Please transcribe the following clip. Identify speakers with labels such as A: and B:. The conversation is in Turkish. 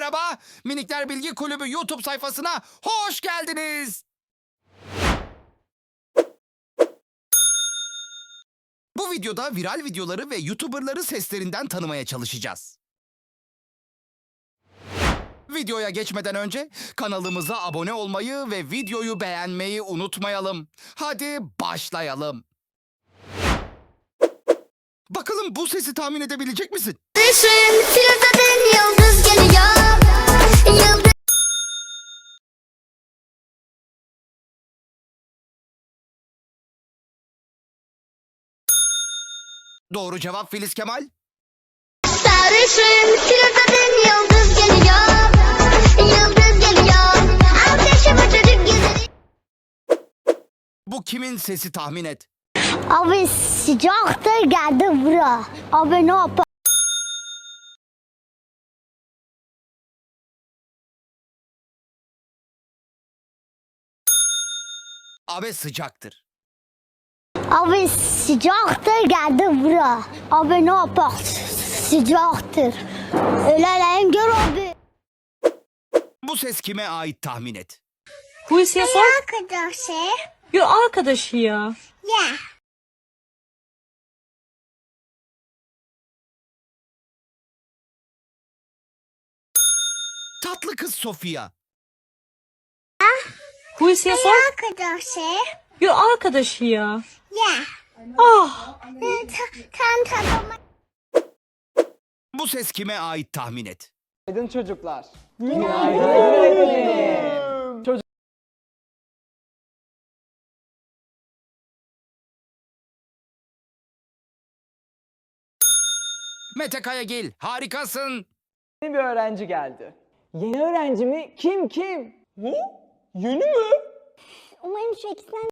A: merhaba. Minikler Bilgi Kulübü YouTube sayfasına hoş geldiniz. Bu videoda viral videoları ve YouTuber'ları seslerinden tanımaya çalışacağız. Videoya geçmeden önce kanalımıza abone olmayı ve videoyu beğenmeyi unutmayalım. Hadi başlayalım. Bakalım bu sesi tahmin edebilecek misin?
B: Düşün, filtreden yıldız geliyor. Yıldız.
A: Doğru cevap Filiz Kemal.
B: Sarışın, filtreden yıldız geliyor. Yıldız geliyor. Ateşime çocuk güzeli.
A: Bu kimin sesi tahmin et.
B: Abi sıcaktır geldi bura. Abi ne yapar?
A: Abi sıcaktır.
B: Abi sıcaktır geldi bura. Abi ne yapar? Sıcaktır. Ölelim gör abi.
A: Bu ses kime ait tahmin et.
C: Hulusi'ye sor.
B: Arkadaşı.
C: Yo, arkadaşı ya.
B: Ya.
A: Tatlı kız Sofia.
C: Hulusi'ye sor.
B: Arkadaşı.
C: Yo, arkadaşı ya.
B: Ya.
C: Ah.
B: Tam tadıma.
A: Bu ses kime ait tahmin et.
D: Günaydın çocuklar.
A: Mete Kayagil, harikasın.
D: Yeni bir öğrenci geldi. Yeni öğrenci mi? Kim? Ne? Yeni mi?
B: Umarım şu ikisinden